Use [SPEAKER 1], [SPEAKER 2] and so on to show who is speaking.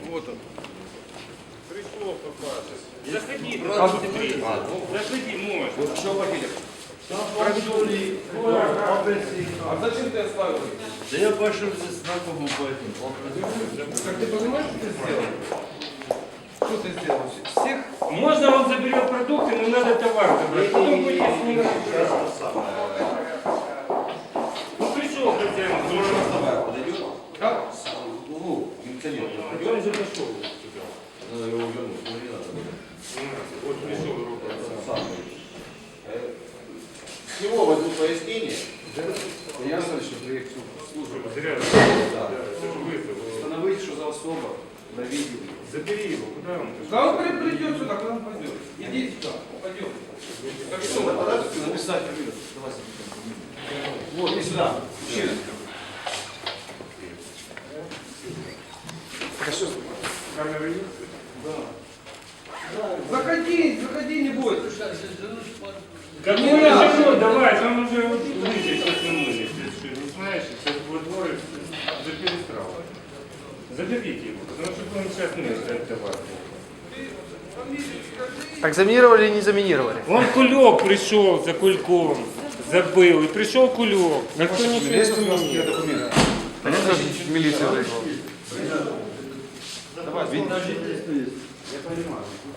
[SPEAKER 1] Вот он.
[SPEAKER 2] Пришел попасть. Заходи, заходи, можно.
[SPEAKER 1] Что пакетик? А зачем ты оставил?
[SPEAKER 3] Да я пошел здесь знакомым поэтому.
[SPEAKER 1] Как ты понимаешь, что ты сделал? Что ты сделал? Всех?
[SPEAKER 2] Можно он заберет продукты, но надо товар забрать. Потом будет снимать. Ну пришел хозяин.
[SPEAKER 3] Подойдет?
[SPEAKER 1] Как?
[SPEAKER 3] В углу, милиционер.
[SPEAKER 2] Он уже дошел.
[SPEAKER 3] Надо его вернуть, ему не надо.
[SPEAKER 2] Вот пришел руку.
[SPEAKER 3] С него возьмут пояснение.
[SPEAKER 1] Я знаю, что приехал в службу.
[SPEAKER 2] Зря.
[SPEAKER 3] Да.
[SPEAKER 1] Установить, что за особо на видео.
[SPEAKER 2] Забери его. Куда он?
[SPEAKER 1] Да он придет сюда, куда он пойдет. Иди сюда, пойдем. Как что, написать фамилию? Давай запишем. Вот, иди сюда. Мужчина.
[SPEAKER 2] Камера есть?
[SPEAKER 1] Заходи, заходи, не бойся.
[SPEAKER 2] Кому я живу? Давай, там уже выйти, сейчас не можешь. Не знаешь, сейчас будет двое за перестрал. Заберите его, потому что будем сейчас не товар.
[SPEAKER 4] Так заминировали или не заминировали?
[SPEAKER 2] Он кулек пришел за кульком, забыл, и пришел кулек. Никто ничего не изменил.
[SPEAKER 1] Документы.
[SPEAKER 4] Понятно, милиция вышла.
[SPEAKER 1] Давай, видно. Я понимаю.